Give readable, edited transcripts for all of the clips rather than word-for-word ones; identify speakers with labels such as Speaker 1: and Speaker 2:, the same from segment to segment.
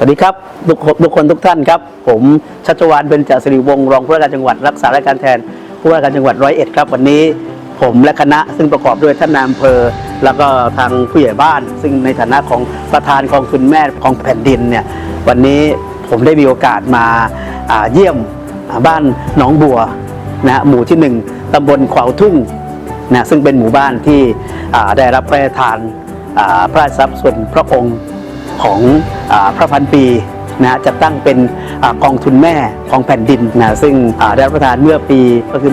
Speaker 1: วัสดีครับทุกคนทุกท่านครับผมชัชวาล เบญจสิริวงศ์รองผู้ว่าการจังหวัดรักษาราชการแทนผู้ว่าการจังหวัด101ครับวันนี้ผมและคณะซึ่งประกอบด้วยท่านนายอำเภอแล้วก็ทางผู้ใหญ่บ้านซึ่งในฐานะของประธานกองทุนแม่ของแผ่นดินเนี่ยวันนี้ผมได้มีโอกาสมาเยี่ยมบ้านหนองบัวนะหมู่ที่1ตำบลขวาวทุ่งนะซึ่งเป็นหมู่บ้านที่ได้รับพระราชทานพระราชทรัพย์ส่วนพระองค์ของพระพันปีนะจัดตั้งเป็นกองทุนแม่ของแผ่นดินนะซึ่งได้รับประทานเมื่อปี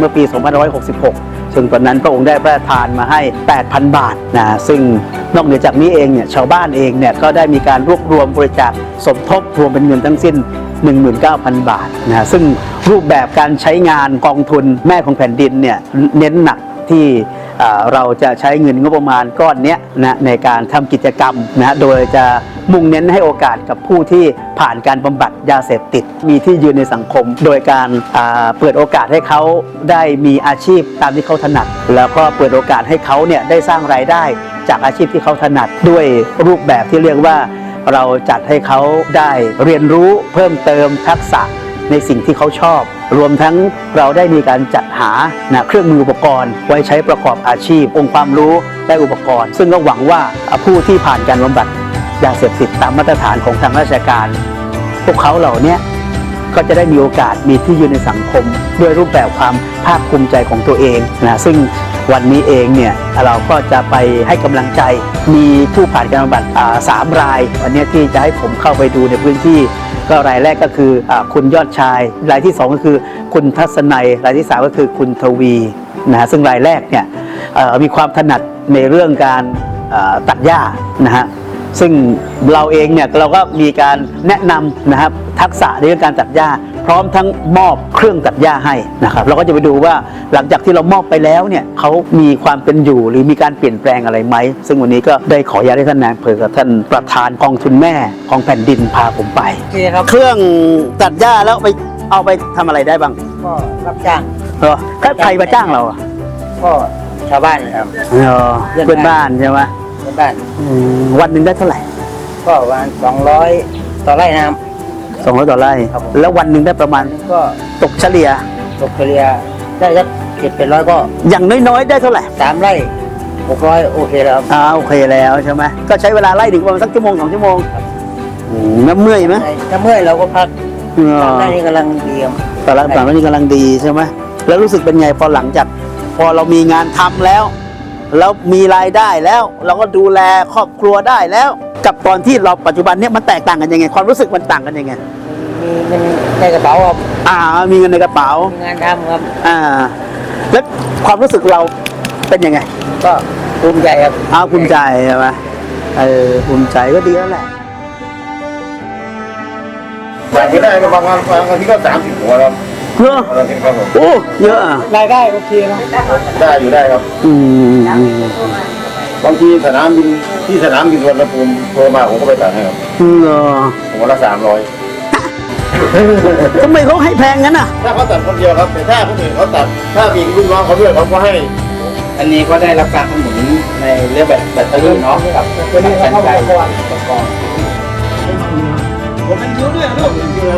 Speaker 1: 2566ซึ่งตอนนั้นพระองค์ได้พระราชทานมาให้ 8,000 บาทนะซึ่งนอกเหนือจากนี้เองเนี่ยชาวบ้านเองเนี่ยก็ได้มีการรวบรวมบริจาคสมทบรวมเป็นเงินทั้งสิ้น 19,000 บาทนะซึ่งรูปแบบการใช้งานกองทุนแม่ของแผ่นดินเนี่ยเน้นหนักที่เราจะใช้เงินงบประมาณก้อนนี้นะในการทำกิจกรรมนะโดยจะมุ่งเน้นให้โอกาสกับผู้ที่ผ่านการบำบัดยาเสพติดมีที่ยืนในสังคมโดยการเปิดโอกาสให้เขาได้มีอาชีพตามที่เขาถนัดแล้วก็เปิดโอกาสให้เขาเนี่ยได้สร้างรายได้จากอาชีพที่เขาถนัดด้วยรูปแบบที่เรียกว่าเราจัดให้เขาได้เรียนรู้เพิ่มเติมทักษะในสิ่งที่เขาชอบรวมทั้งเราได้มีการจัดหาเครื่องมืออุปกรณ์ไว้ใช้ประกอบอาชีพองค์ความรู้และอุปกรณ์ซึ่งก็หวังว่าผู้ที่ผ่านการบำบัดยาเสพติดตามมาตรฐานของทางราชการพวกเขาเหล่านี้ก็จะได้มีโอกาสมีที่ยืนในสังคมด้วยรูปแบบความภาคภูมิใจของตัวเองนะซึ่งวันนี้เองเนี่ยเราก็จะไปให้กำลังใจมีผู้ผ่านการบำบัด3 รายวันนี้ที่จะให้ผมเข้าไปดูในพื้นที่ก็รายแรกก็คือคุณยอดชายรายที่2ก็คือคุณทัศนัยรายที่3ก็คือคุณทวีนะฮะซึ่งรายแรกเนี่ยมีความถนัดในเรื่องการตัดหญ้านะฮะซึ่งเราเองเนี่ยเราก็มีการแนะนำนะครับทักษะในเรื่องการตัดหญ้าพร้อมทั้งมอบเครื่องตัดหญ้าให้นะครับเราก็จะไปดูว่าหลังจากที่เรามอบไปแล้วเนี่ยเขามีความเป็นอยู่หรือมีการเปลี่ยนแปลงอะไรไหมซึ่งวันนี้ก็ได้ขออนุญาตให้ท่านนายอำเภอกับท่านประธานกองทุนแม่ของแผ่นดินพาผมไปเครื่องตัดหญ้าแล้วไปเอาไปทำอะไรได้บ้าง
Speaker 2: ก็รับจ้าง
Speaker 1: ถ้าใครมาจ้างเรา
Speaker 2: ก็ชาวบ้านครับ
Speaker 1: เพื่อนบ้านใช่ไหม
Speaker 2: เพื่อนบ้าน
Speaker 1: วันหนึ่งได้เท่าไหร่
Speaker 2: ก็ประมาณ200ต่อไร่นะครับ
Speaker 1: 200ต่อไร่แล้ววันหนึ่งได้ประมาณ
Speaker 2: ก็
Speaker 1: ตกเฉลี่ย
Speaker 2: ได้สัก700ก็
Speaker 1: อย่างน้อยๆได้เท่าไหร่
Speaker 2: 3 ไร่600โอเคแล้ว
Speaker 1: โอเคแล้วใช่ไหมก็ใช้เวลาไล่ถึงประมาณสักชั่วโมง2 ชั่วโมงน้ำเมื่อยไหม
Speaker 2: ถ้าเมื่อยเราก็พักได้นี่กำลังดี
Speaker 1: ตอนหลังนี่กำลังดีใช่ไหมแล้วรู้สึกเป็นไงพอหลังจากพอเรามีงานทำแล้วมีรายได้แล้วเราก็ดูแลครอบครัวได้แล้วกับตอนที่เราปัจจุบันเนี้ยมันแตกต่างกันยังไงความรู้สึกมันต่างกันยังไง
Speaker 2: มีเงินในกระเป๋าครับ
Speaker 1: มีเงินในกระเป๋า
Speaker 2: มีงานทำครับ
Speaker 1: แล้วความรู้สึกเราเป็นยังไง
Speaker 2: ก็ภูมิใจครับ
Speaker 1: ภูมิใจใช่ไหมภูมิใจก็ดีแล้วแหละ
Speaker 3: แต่ไม่ได้ก็บางทีก็30 หัวครับ
Speaker 1: เยอะโอ้เยอะ
Speaker 2: รายได้โอเคนะ
Speaker 3: ได้อยู่ได้ครับบางทีสนามบินสุวรรณภูมิโทรมาผมก็ไปตัดให้ครับหัวละ300
Speaker 1: ทำไมเขาให้แพงงั้น
Speaker 3: ถ้าเขาตัดคนเดียวครับแต่ถ้าคนอื่นเขาตัดถ้ามีลูกน้องเขาด้วยเขาก็ให้
Speaker 2: อันนี้ก็ได้รับการสนับสนุนในเรื่องแบตเตอรี่เนาะกับการใช้อุปกรณ์
Speaker 1: ผมเป็นคิ้วด้วยลูก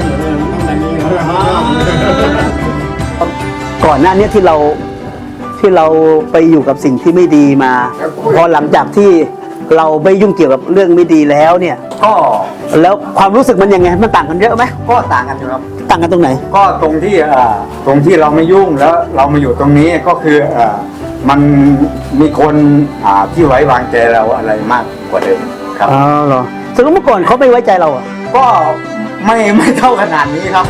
Speaker 1: ก่อนหน้านี้ที่เราไปอยู่กับสิ่งที่ไม่ดีมาพอหลังจากที่เราไม่ยุ่งเกี่ยวกับเรื่องไม่ดีแล้วเนี่ย
Speaker 4: ก็
Speaker 1: แล้วความรู้สึกมันยังไงมันต่างกันเยอะไหม
Speaker 4: ก็ต่างกันครับ
Speaker 1: ต่างกันตรงไหน
Speaker 4: ก็ตรงที่เราไม่ยุ่งแล้วเรามาอยู่ตรงนี้ก็คือมันมีคนที่ไว้วางใจเราอะไรมากกว่าเดิมครับ
Speaker 1: เหรอสมมติเมื่อก่อนเขาไม่ไว้ใจเรา
Speaker 4: ก็ไม่เท่าขนาดนี้ครับ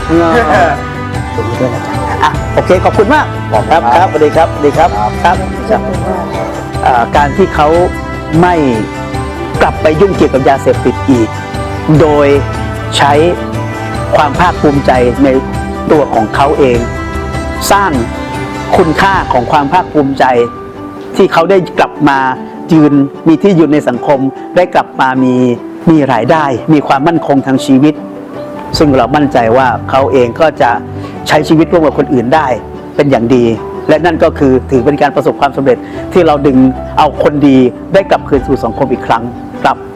Speaker 1: โอเคขอบคุณมากครับสวัสดีครับครับการที่เขาไม่กลับไปยุ่งเกี่ยวกับยาเสพติดอีกโดยใช้ความภาคภูมิใจในตัวของเขาเองสร้างคุณค่าของความภาคภูมิใจที่เขาได้กลับมามีที่ยืนในสังคมได้กลับมามีรายได้มีความมั่นคงทางชีวิตซึ่งเรามั่นใจว่าเขาเองก็จะใช้ชีวิตร่วมกับคนอื่นได้เป็นอย่างดีและนั่นก็คือถือเป็นการประสบความสำเร็จที่เราดึงเอาคนดีได้กลับคืนสู่สังคมอีกครั้งครับ